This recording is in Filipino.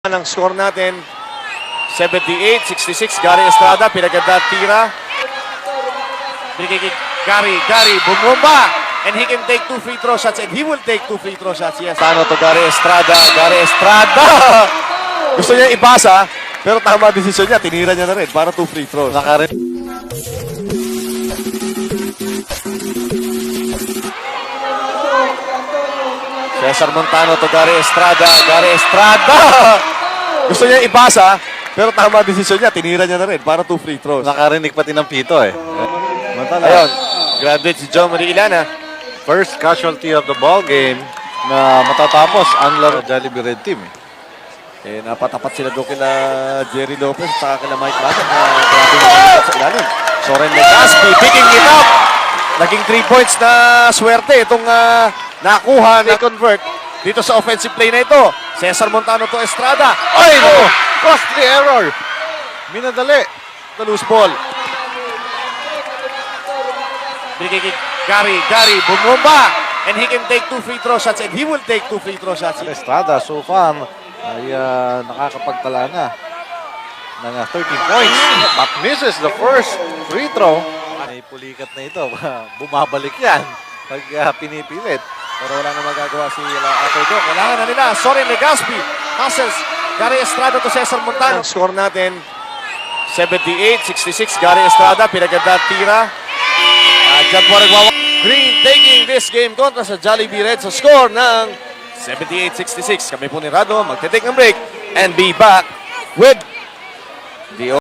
Ang score natin 78-66. Gary Estrada, pinaganda tira. Binigay Gary, bumomba, and he can take 2 free throw shots, and he will take 2 free throw shots. Yes. Tano to Gary Estrada. Gusto niya ipasa, pero tama desisyon niya. Tinira niya na rin para 2 free throws. Cesar Montano to Gary Estrada. Gusto niya ipasa, pero tama desisyon niya. Tinira niya na rin para 2 free throws. Nakarinig pati ng pito eh. Ayun, graduate si John Marie Ilana. First casualty of the ball game na matatapos ang laro Jollibee Red Team. Napatapat sila doon kila Jerry Lopez at saka kila Mike Lassat na grabe na sa ilalim. Soren Legaspi picking it up. Naging 3 points na swerte itong nakuha na convert dito sa offensive play na ito. Cesar Montano to Estrada. Ay, no! Costly error! Minadali. The loose ball. Binigay Gary, bumomba, and he can take 2 free throw shots, and he will take 2 free throw shots. Estrada so far ay nakakapagtala na ng 13 points but misses the first free throw. Ay pulikat na ito. Bumabalik yan pag pinipilit. Pero wala na magagawa si Apodo. Kailangan na nila. Soren Legaspi passes Gary Estrada to Cesar Montano. Ang score natin 78-66. Gary Estrada, pinaganda tira. Diyan po nagwawa. Green taking this game kontra sa Jollibee Red sa score ng 78-66. Kami po ni Rado magte-take ng break and be back with the